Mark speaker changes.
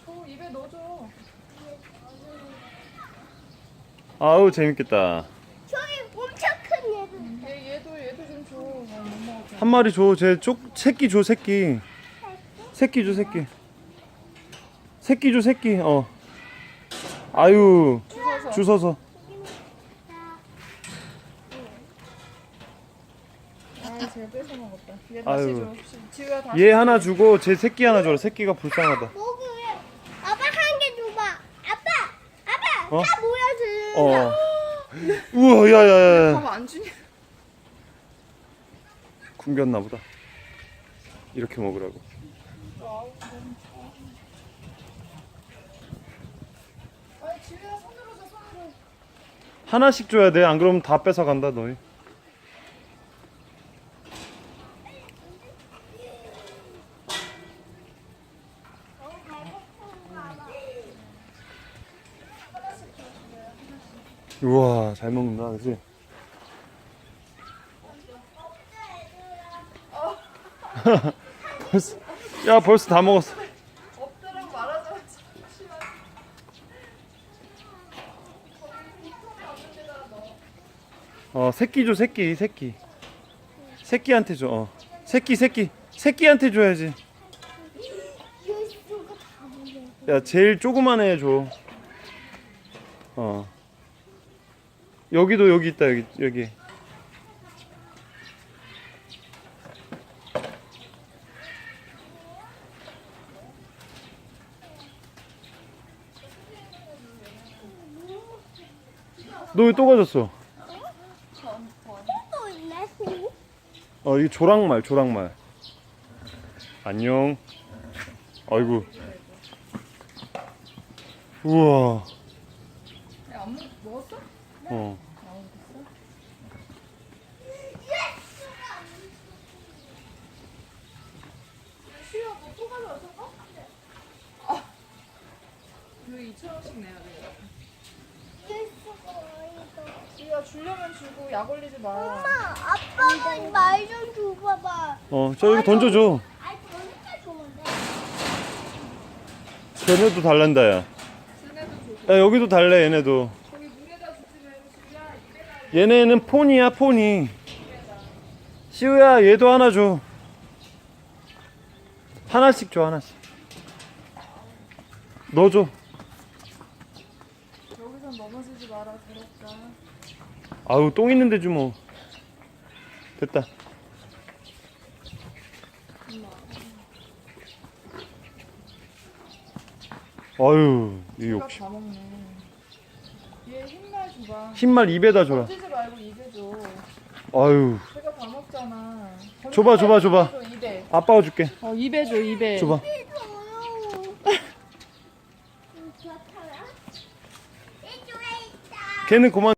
Speaker 1: 입에 넣어줘.
Speaker 2: 아우 재밌겠다.
Speaker 3: 저기 엄청 큰 얘도.
Speaker 1: 얘도 좀 줘. 못 먹었어.
Speaker 2: 한 마리 줘. 새끼 줘 새끼. 새끼 줘 새끼. 새끼 줘 새끼. 아유 주워서.
Speaker 1: 제가 뺏어 먹었다. 얘
Speaker 2: 아유.
Speaker 1: 다시 줘. 지우야 다시.
Speaker 2: 얘 하나 주고 제 새끼 하나 줘라. 새끼가 불쌍하다.
Speaker 3: 먹으래. 아빠 한 개 줘봐. 아빠.
Speaker 2: 어?
Speaker 3: 나 뭐야 지금?
Speaker 2: 우와 야야야.
Speaker 1: 밥 안 주냐?
Speaker 2: 굶겼나 보다. 이렇게 먹으라고.
Speaker 1: 아니 지우야 손으로 줘 손으로.
Speaker 2: 하나씩 줘야 돼. 안 그러면 다 뺏어 간다 너희. 우와 잘 먹는다 그치? 벌써 다 먹었어.
Speaker 1: 없더라고 말하자마자.
Speaker 2: 새끼 줘 새끼. 새끼한테 줘. 새끼한테 줘야지.
Speaker 3: 예수가 다 먹네.
Speaker 2: 야 제일 조그만 애 줘. 여기도 여기 있다 여기. 너 왜 또 가졌어?
Speaker 3: 또 있네.
Speaker 2: 이게 조랑말. 안녕. 아이고. 우와.
Speaker 1: 안 먹었어? 시우야 너또 가져왔어? 여기 2,000원씩 내야 돼.
Speaker 3: 예수가 어디서?
Speaker 1: 지우야 주려면 주고 약 올리지 마.
Speaker 3: 엄마, 아빠가 말 좀 줘봐봐.
Speaker 2: 저 여기 던져줘.
Speaker 3: 아니, 저니까 좋은데.
Speaker 2: 쟤네도 달란다 야.
Speaker 1: 쟤네도 줘.
Speaker 2: 야 여기도 달래 얘네도.
Speaker 1: 거기 물에다 주지 말고 지우야 입에다.
Speaker 2: 얘네는 폰이야 폰이. 시우야 얘도 하나 줘. 하나씩 줘 하나씩. 너 줘.
Speaker 1: 여기선 넘어지지 마라 더럽다.
Speaker 2: 아우 똥 있는데 주 뭐. 됐다. 아유 이
Speaker 1: 지우가
Speaker 2: 욕심.
Speaker 1: 다 먹네. 얘 흰말 줘봐.
Speaker 2: 흰말 입에다 줘라.
Speaker 1: 던지지 말고 입에 줘.
Speaker 2: 아유
Speaker 1: 제가 다 먹잖아.
Speaker 2: 줘봐.
Speaker 1: 입에.
Speaker 2: 아빠가 줄게.
Speaker 1: 입에 줘 입에.
Speaker 2: 줘봐. 걔는 그만.